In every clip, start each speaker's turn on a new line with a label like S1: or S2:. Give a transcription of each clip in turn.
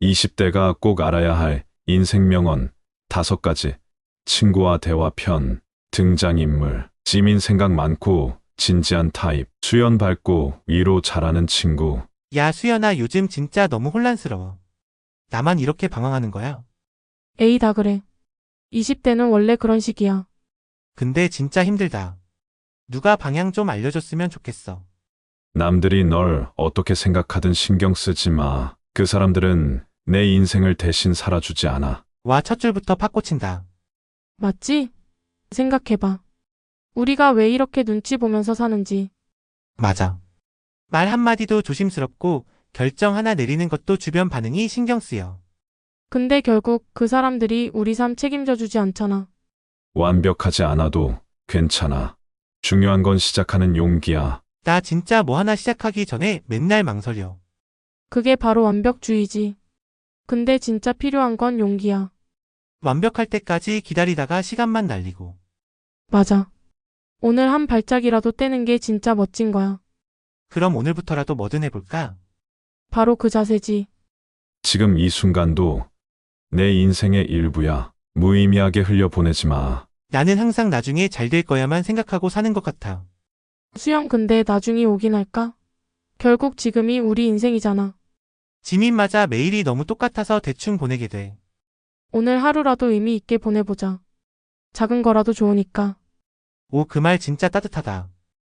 S1: 20대가 꼭 알아야 할 인생 명언 5가지. 친구와 대화 편. 등장인물. 지민 생각 많고 진지한 타입. 수연 밝고 위로 잘하는 친구.
S2: 야, 수연아, 요즘 진짜 너무 혼란스러워. 나만 이렇게 방황하는 거야?
S3: 에이, 다 그래. 20대는 원래 그런 식이야.
S2: 근데 진짜 힘들다. 누가 방향 좀 알려줬으면 좋겠어.
S1: 남들이 널 어떻게 생각하든 신경 쓰지 마. 그 사람들은 내 인생을 대신 살아주지 않아.
S2: 와, 첫 줄부터 팍 꽂힌다.
S3: 맞지? 생각해봐. 우리가 왜 이렇게 눈치 보면서 사는지.
S2: 맞아. 말 한마디도 조심스럽고 결정 하나 내리는 것도 주변 반응이 신경 쓰여.
S3: 근데 결국 그 사람들이 우리 삶 책임져 주지 않잖아.
S1: 완벽하지 않아도 괜찮아. 중요한 건 시작하는 용기야.
S2: 나 진짜 뭐 하나 시작하기 전에 맨날 망설여.
S3: 그게 바로 완벽주의지. 근데 진짜 필요한 건 용기야.
S2: 완벽할 때까지 기다리다가 시간만 날리고.
S3: 맞아. 오늘 한 발짝이라도 떼는 게 진짜 멋진 거야.
S2: 그럼 오늘부터라도 뭐든 해볼까?
S3: 바로 그 자세지.
S1: 지금 이 순간도 내 인생의 일부야. 무의미하게 흘려보내지 마.
S2: 나는 항상 나중에 잘 될 거야만 생각하고 사는 것 같아.
S3: 수영, 근데 나중이 오긴 할까? 결국 지금이 우리 인생이잖아.
S2: 지민, 맞아. 매일이 너무 똑같아서 대충 보내게 돼.
S3: 오늘 하루라도 의미 있게 보내보자. 작은 거라도 좋으니까.
S2: 오, 그 말 진짜 따뜻하다.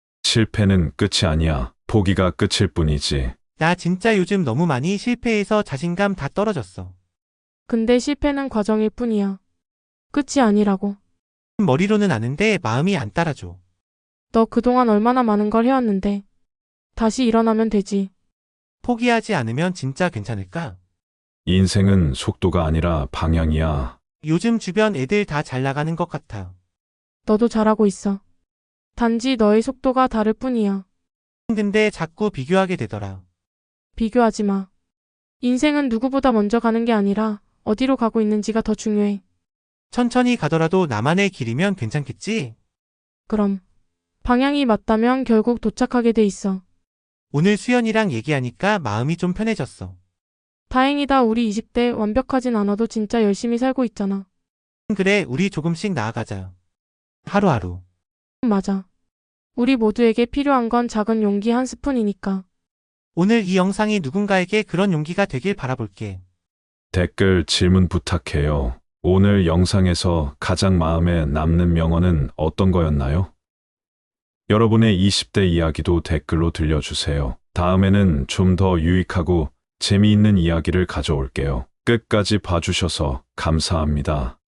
S1: 실패는 끝이 아니야. 포기가 끝일 뿐이지.
S2: 나 진짜 요즘 너무 많이 실패해서 자신감 다 떨어졌어.
S3: 근데 실패는 과정일 뿐이야. 끝이 아니라고.
S2: 머리로는 아는데 마음이 안 따라줘.
S3: 너 그동안 얼마나 많은 걸 해왔는데. 다시 일어나면 되지.
S2: 포기하지 않으면 진짜 괜찮을까?
S1: 인생은 속도가 아니라 방향이야.
S2: 요즘 주변 애들 다 잘 나가는 것 같아.
S3: 너도 잘하고 있어. 단지 너의 속도가 다를 뿐이야.
S2: 근데 자꾸 비교하게 되더라.
S3: 비교하지 마. 인생은 누구보다 먼저 가는 게 아니라 어디로 가고 있는지가 더 중요해.
S2: 천천히 가더라도 나만의 길이면 괜찮겠지?
S3: 그럼. 방향이 맞다면 결국 도착하게 돼 있어.
S2: 오늘 수연이랑 얘기하니까 마음이 좀 편해졌어.
S3: 다행이다. 우리 20대 완벽하진 않아도 진짜 열심히 살고 있잖아.
S2: 그래, 우리 조금씩 나아가자. 하루하루.
S3: 맞아. 우리 모두에게 필요한 건 작은 용기 한 스푼이니까.
S2: 오늘 이 영상이 누군가에게 그런 용기가 되길 바라볼게.
S1: 댓글 질문 부탁해요. 오늘 영상에서 가장 마음에 남는 명언은 어떤 거였나요? 여러분의 20대 이야기도 댓글로 들려주세요. 다음에는 좀 더 유익하고 재미있는 이야기를 가져올게요. 끝까지 봐주셔서 감사합니다.